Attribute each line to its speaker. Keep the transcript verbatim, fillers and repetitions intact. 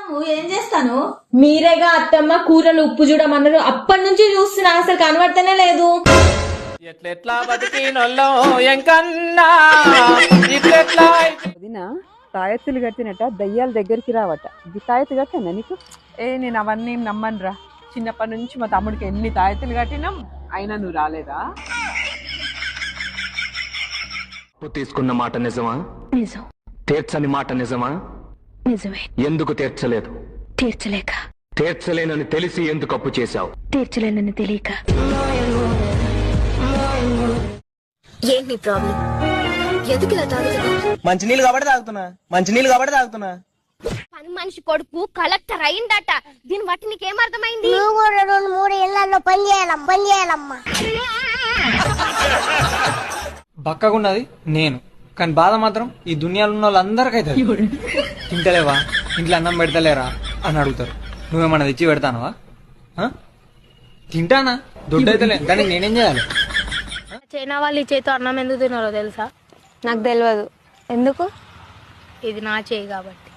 Speaker 1: ఏం చేస్తాను?
Speaker 2: మీరేగా అత్తమ్మ కూరలు ఉప్పు చూడమన్నారు, అప్పటి నుంచి చూస్తున్నా అసలు కనబడతానే లేదు.
Speaker 3: ఎట్లెట్లా బతికినొల్లో ఎంకన్నా ఇట్లెట్లా
Speaker 4: వదినా తాయెత్తులు కట్టినట్ట దయ్యాల దగ్గరికి రావట. ఇది తాయెత్తు కట్టానా నీకు? ఏ నేను అవన్నీ ఏం నమ్మనురా. చిన్నప్పటి నుంచి మా తమ్ముడికి ఎన్ని తాయెత్తులు కట్టినాం, అయినా నువ్వు రాలేదా?
Speaker 5: తీసుకున్న మాట నిజమా?
Speaker 6: నిజం.
Speaker 5: తీర్చని మాట నిజమా?
Speaker 6: నిజమే.
Speaker 5: ఎందుకు తీర్చలేదు?
Speaker 6: తీర్చలేక.
Speaker 5: తీర్చలేనని తెలిసి ఎందుకు అప్పు చేశావు?
Speaker 6: తీర్చలేనని తెలియక.
Speaker 7: ఏంటి ప్రాబ్లం? ఎందుకు ఇలా తాగుతున్నా?
Speaker 3: మంచినీళ్ళు కాబట్టి తాగుతున్నా మంచినీళ్ళు కాబట్టి తాగుతున్నా
Speaker 7: పని మనిషి కొడుకు కలెక్టర్ అయిందట. దీన్ని బట్టి నీకేమర్థమైంది?
Speaker 8: నువ్వు కూడా రెండు మూడు ఇళ్లలో పని చేయాలమ్మా పని చేయాలమ్మా
Speaker 9: బక్కగున్నది నేను, కానీ బాధ మాత్రం ఈ దునియాలో ఉన్న వాళ్ళందరికైతే. తింటలేవా, ఇంట్లో అన్నం పెడతలేరా అని అడుగుతారు. నువ్వేమన్నా తెచ్చి పెడతానవా? తింటానా, దొడ్డైతలే, దానికి నేనేం చేయాలి?
Speaker 10: చైనా వాళ్ళు ఈ చేతితో అన్నం ఎందుకు తిన్నారో తెలుసా?
Speaker 2: నాకు తెలియదు. ఎందుకు?
Speaker 10: ఇది నా చేయి కాబట్టి.